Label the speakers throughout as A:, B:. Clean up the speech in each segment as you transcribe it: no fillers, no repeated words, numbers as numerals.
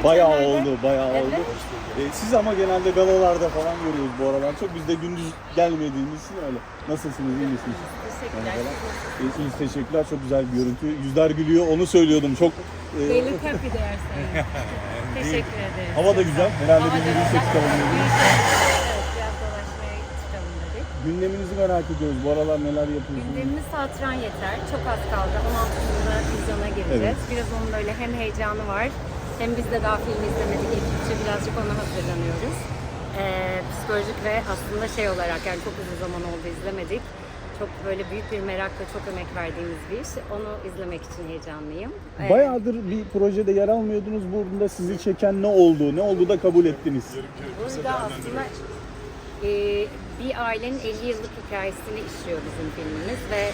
A: Bayağı
B: geçenlerde.
A: oldu, bayağı
B: Evet.
A: oldu. Siz ama genelde galalarda falan görüyoruz bu aralar. Çok biz de gündüz gelmediğimiz için öyle. Nasılsınız, iyi misiniz?
B: Teşekkürler.
A: İyisiniz, teşekkürler. Çok güzel bir görüntü. Yüzler gülüyor, onu söylüyordum. Çok
B: They look happy there saying. Teşekkür ederim.
A: hava da güzel. Herhalde
B: Hava
A: bir
B: da
A: yürüyüşe
B: güzel.
A: çıkalım dedik.
B: Evet, biraz dolaşmaya çıkalım dedik.
A: Gündeminizi merak ediyoruz. Bu aralar neler yapıyorsunuz?
B: Gündemimiz Hatıran Yeter. Çok az kaldı. 16'sında vizyona gireceğiz.
A: Evet.
B: Biraz onun böyle hem heyecanı var, hem biz de daha film izlemedik. Ekipçe birazcık ona hazırlanıyoruz. Psikolojik ve aslında şey olarak yani çok uzun zaman oldu izlemedik. Çok böyle büyük bir merakla çok emek verdiğimiz bir iş. Onu izlemek için heyecanlıyım.
A: Bayağıdır bir projede yer almıyordunuz. Burada sizi çeken ne oldu? Ne oldu da kabul ettiniz?
B: Burada aslında bir ailenin 50 yıllık hikayesini işliyor bizim filmimiz ve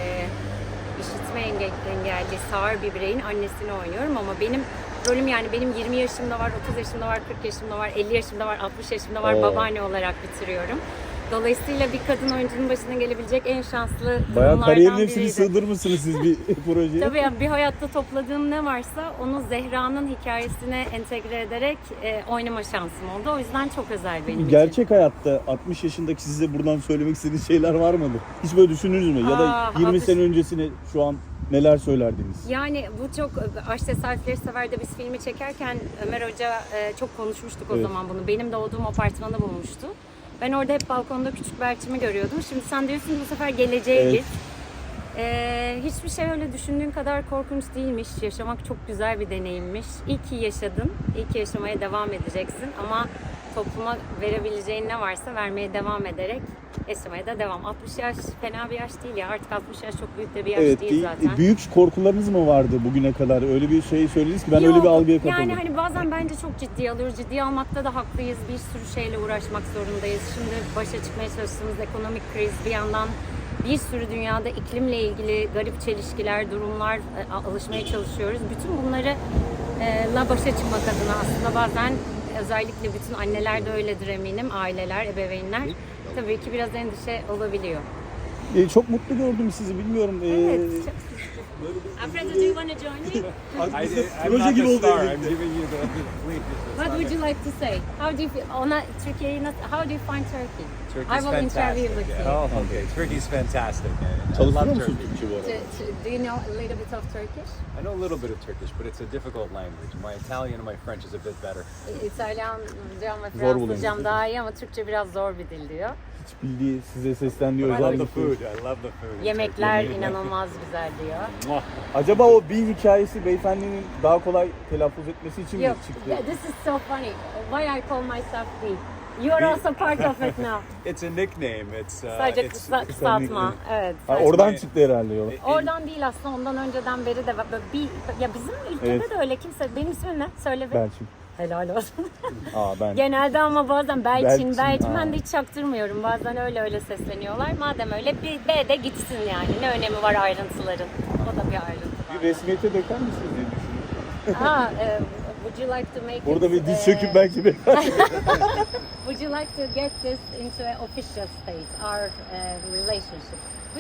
B: işitme engelli sağır bir bireyin annesini oynuyorum ama benim rolüm yani benim 20 yaşımda var, 30 yaşımda var, 40 yaşımda var, 50 yaşımda var, 60 yaşımda var,
A: Oo.
B: babaanne olarak bitiriyorum. Dolayısıyla bir kadın oyuncunun başına gelebilecek en şanslı
A: Bayağı
B: durumlardan
A: kariyerin hepsini
B: biriydi.
A: sığdırmışsınız siz bir projeye.
B: Tabii yani bir hayatta topladığım ne varsa onu Zehra'nın hikayesine entegre ederek oynama şansım oldu. O yüzden çok özel benim için.
A: Gerçek hayatta 60 yaşındaki size buradan söylemek istediğiniz şeyler var mıdır? Hiç böyle düşündünüz mü? Ya da 20
B: 60
A: sene öncesine şu an neler söylerdiniz?
B: Yani bu çok Aşk Tesadüfleri Sever'de biz filmi çekerken Ömer Hoca çok konuşmuştuk o
A: Evet.
B: zaman bunu. Benim doğduğum apartmanı bulmuştu. Ben orada hep balkonda küçük Berçim'i görüyordum. Şimdi sen diyorsun ki bu sefer geleceğe
A: Evet.
B: git. Hiçbir şey öyle düşündüğün kadar korkunç değilmiş. Yaşamak çok güzel bir deneyimmiş. İyi ki yaşadın. İyi ki yaşamaya devam edeceksin. Ama topluma verebileceğin ne varsa vermeye devam ederek yaşamaya da devam. 60 yaş fena bir yaş değil ya. Artık 60 yaş çok büyük de bir yaş
A: Evet,
B: değil zaten.
A: büyük korkularınız mı vardı bugüne kadar? Öyle bir şey söylediniz ki ben
B: Yok,
A: öyle bir algıya kapıldım.
B: yani hani bazen bence çok ciddiye alıyoruz. Ciddiye almakta da haklıyız. Bir sürü şeyle uğraşmak zorundayız. Şimdi başa çıkmaya çalıştığımız ekonomik kriz bir yandan bir sürü dünyada iklimle ilgili garip çelişkiler, durumlar alışmaya çalışıyoruz. Bütün bunları la başa çıkmak adına aslında bazen özellikle bütün anneler de öyledir eminim. Aileler, ebeveynler tabii ki biraz endişe olabiliyor.
A: Çok mutlu gördüm sizi, bilmiyorum.
B: Evet. Çok... Alfredo, do you want to join me?
C: I'm not the star. I'm giving you the lead.
B: What would you like to say? How do you feel? Türkiye'yi nasıl? How do you find Turkey? I
C: Turkey's
B: will interview
C: fantastic.
B: with you.
C: Yeah. Oh, okay. Turkey's fantastic. I
A: Çalışıyor
C: love
A: musun
C: Turkey.
A: Türkçe bu arada?
B: Do you know a little bit of Turkish?
C: I know a little bit of Turkish, but it's a difficult language. My Italian and my French is a bit better.
B: İtalyancam ve
A: Zor buluyorum.
B: Fransızcam daha iyi ama Türkçe biraz zor bir dil diyor.
A: Hiç bildiği, size seslendiği
C: I
A: özel
C: love
A: bir
C: the food. I love the food. in
B: Yemekler
C: Turkey.
B: inanılmaz güzel diyor.
A: Acaba o bir hikayesi beyefendinin daha kolay telaffuz etmesi için mi
B: Yok,
A: çıktı?
B: this is so funny. Why I call myself B? You are also part of it now.
C: It's a nickname. It's
B: Sadece kısaltma. Evet.
A: Ha,
B: sadece-
A: oradan çıktı herhalde yola.
B: Oradan değil aslında ondan önceden beri de böyle ya bizim ülkede
A: Evet.
B: de öyle kimse benim ismim ne? Söyle bir.
A: Belçin.
B: Helal olsun.
A: Ben.
B: Genelde ama bazen
A: Belçin,
B: Belçin
A: aa.
B: ben de hiç çaktırmıyorum. Bazen öyle sesleniyorlar. Madem öyle bir B de gitsin yani. Ne önemi var ayrıntıların? O da bir ayrıntı var.
A: Bir resmiyete döker misiniz diye düşünüyorum.
B: Would you like to make
A: Burada
B: it,
A: bir diz söküp belki bir...
B: would you like to get this into an official state, our relationship?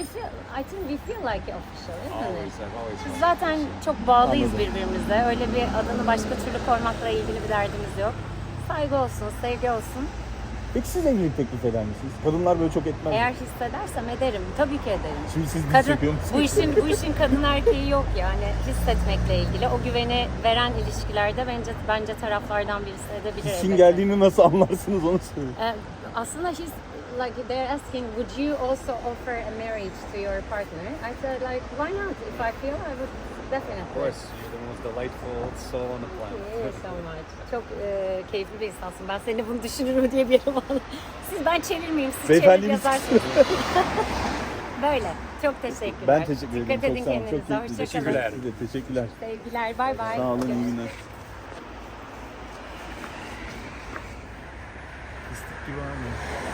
B: I think we feel like official, isn't
C: Always,
B: it?
C: I've always
B: Biz
C: felt
B: zaten çok bağlıyız
A: Anladım.
B: birbirimize. Öyle bir adını başka türlü koymakla ilgili bir derdimiz yok. Saygı olsun, sevgi olsun.
A: Peki siz evlilik teklif eder misiniz? Kadınlar böyle çok etmez.
B: Eğer hissedersem ederim. Tabii ki ederim.
A: Şimdi siz diz
B: Kadın,
A: söküyor musunuz?
B: bu işin kadın erkeği yok yani hissetmekle ilgili. O güveni veren ilişkilerde bence taraflardan birisi edebilir.
A: Hissin
B: elbette.
A: geldiğini nasıl anlarsınız onu söyleyin.
B: Aslında like they're asking, would you also offer a marriage to your partner? I said like, why not? If I feel, I would definitely.
C: Of course, you're the most delightful soul on the
B: Thank you
C: planet.
B: so much. Çok keyifli bir insansın. Ben seni bunu düşünürüm diye bir yere bağlı. Ben çevirmeyeyim, siz çevirip
A: Beyefendimiz-
B: yazarsınız. Böyle. Çok teşekkürler.
A: Ben teşekkür ederim.
B: Dikkat edin
A: Çok sağ olun. Çok
B: kendinize.
A: keyifli.
B: Hoşçakalın.
A: Size de teşekkürler.
B: Sevgiler. Bay bay.
A: Sağ olun. İyi günler. Fıstık gibi abi.